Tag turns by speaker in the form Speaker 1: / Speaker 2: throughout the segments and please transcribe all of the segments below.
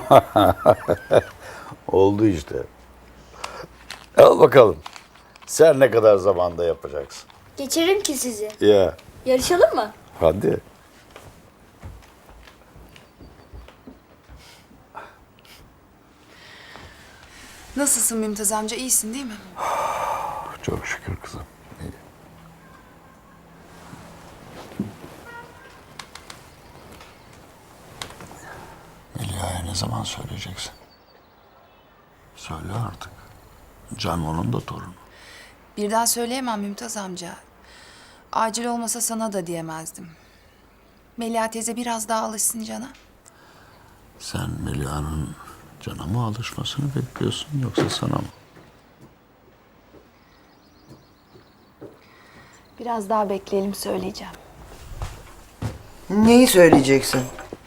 Speaker 1: Oldu işte. Al bakalım. Sen ne kadar zamanda yapacaksın?
Speaker 2: Geçerim ki sizi.
Speaker 1: Ya
Speaker 2: Yarışalım mı?
Speaker 1: hadi.
Speaker 3: Nasılsın Mümtaz amca? İyisin değil mi?
Speaker 1: Çok şükür kızım. İyi. Melia'ya ne zaman söyleyeceksin? Söyle artık. Can onun da torunu.
Speaker 3: Birden söyleyemem Mümtaz amca. Acil olmasa sana da diyemezdim. Melia teyze biraz daha alışsın Can'a.
Speaker 1: Sen Melia'nın Can'a mı alışmasını bekliyorsun yoksa sana mı?
Speaker 3: Biraz daha bekleyelim söyleyeceğim.
Speaker 4: Neyi söyleyeceksin?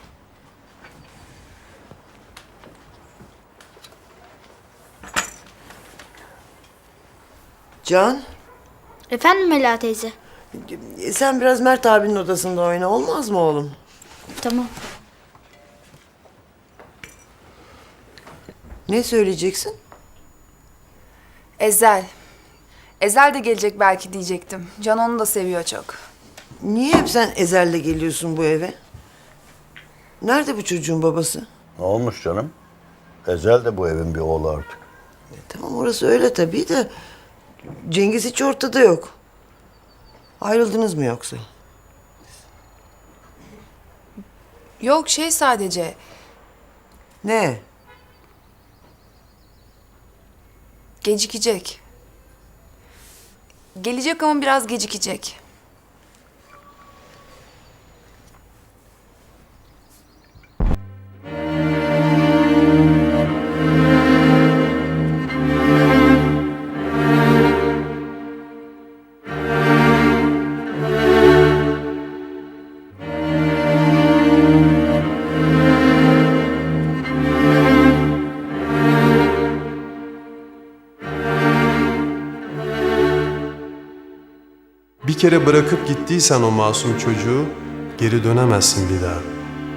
Speaker 4: Can,
Speaker 2: Efendim Mela teyze?
Speaker 4: sen biraz Mert abinin odasında oyna, olmaz mı oğlum?
Speaker 2: Tamam.
Speaker 4: Ne söyleyeceksin?
Speaker 3: Ezel. Ezel de gelecek belki diyecektim. Can onu da seviyor çok.
Speaker 4: Niye hep sen Ezel'le geliyorsun bu eve? Nerede bu çocuğun babası?
Speaker 1: Ne olmuş canım? Ezel de bu evin bir oğlu artık.
Speaker 4: Tamam, orası öyle tabii de Cengiz hiç ortada yok. Ayrıldınız mı yoksa?
Speaker 3: Yok sadece.
Speaker 4: Ne?
Speaker 3: Gecikecek. Gelecek ama biraz gecikecek.
Speaker 5: Bir kere bırakıp gittiysen o masum çocuğu geri dönemezsin bir daha.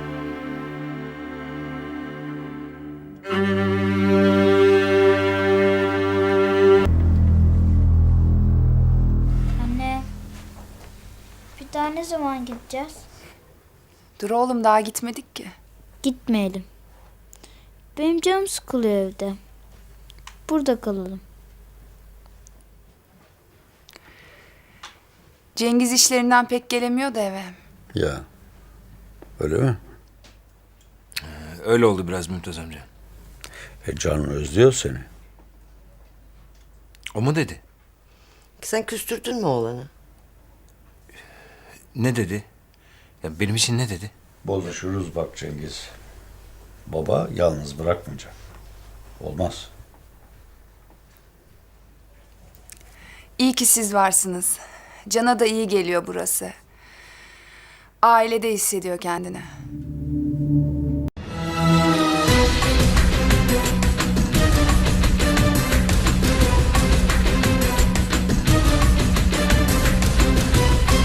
Speaker 2: Anne. Bir daha ne zaman gideceğiz?
Speaker 3: Dur oğlum daha gitmedik ki.
Speaker 2: Gitmeyelim. Benim canım sıkılıyor evde. Burada kalalım.
Speaker 3: Cengiz işlerinden pek gelemiyor da eve.
Speaker 1: Ya. Öyle mi?
Speaker 6: Öyle oldu biraz Mümtaz amca.
Speaker 1: Can özlüyor seni.
Speaker 6: O mu dedi?
Speaker 4: Sen küstürdün mü oğlanı?
Speaker 6: Ne dedi? Ya benim için ne dedi?
Speaker 1: Bozuşuruz bak Cengiz. Baba yalnız bırakmayacak. Olmaz.
Speaker 3: İyi ki siz varsınız. Can'a da iyi geliyor burası. Ailede hissediyor kendini.